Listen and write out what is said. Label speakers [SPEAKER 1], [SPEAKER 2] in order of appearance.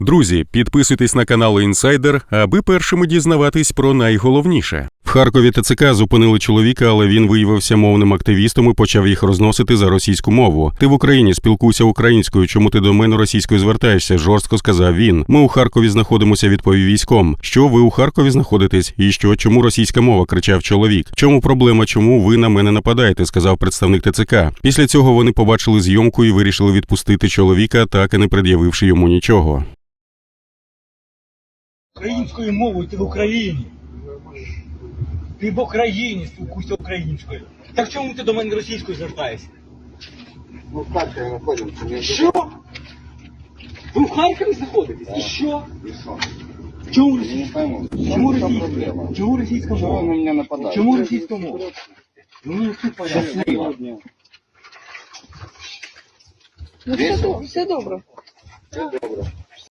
[SPEAKER 1] Друзі, підписуйтесь на канал Інсайдер, аби першими дізнаватись про найголовніше. В Харкові ТЦК зупинили чоловіка, але він виявився мовним активістом і почав їх розносити за російську мову. «Ти в Україні, спілкуйся українською, чому ти до мене російською звертаєшся?» – жорстко сказав він. «Ми у Харкові знаходимося», – відповів військом. «Що ви у Харкові знаходитесь? І що? Чому російська мова?» – кричав чоловік. «Чому проблема? Чому ви на мене нападаєте?» – сказав представник ТЦК. Після цього вони побачили зйомку і вирішили відпустити чоловіка, так і не пред'явивши йому нічого.
[SPEAKER 2] Українською мовою ти в Україні. Ти в Україні, спілкуйся українською. Так чому ти до мене російською звертаєшся?
[SPEAKER 3] Ну, в Харкові знаходимося.
[SPEAKER 2] Що? Ви в Харкові знаходитесь? І що?
[SPEAKER 3] І що?
[SPEAKER 2] Чому
[SPEAKER 3] Не
[SPEAKER 2] російська?
[SPEAKER 3] пойму.
[SPEAKER 2] Чому
[SPEAKER 3] В чому
[SPEAKER 2] російська?
[SPEAKER 3] проблема?
[SPEAKER 2] Чому російська
[SPEAKER 3] Чого ви на
[SPEAKER 2] мова?
[SPEAKER 3] мене нападаєте?
[SPEAKER 2] Чому російська мова? Ну, все понятно.
[SPEAKER 3] Щасливо.
[SPEAKER 4] Ну, все добре.
[SPEAKER 3] Все добре.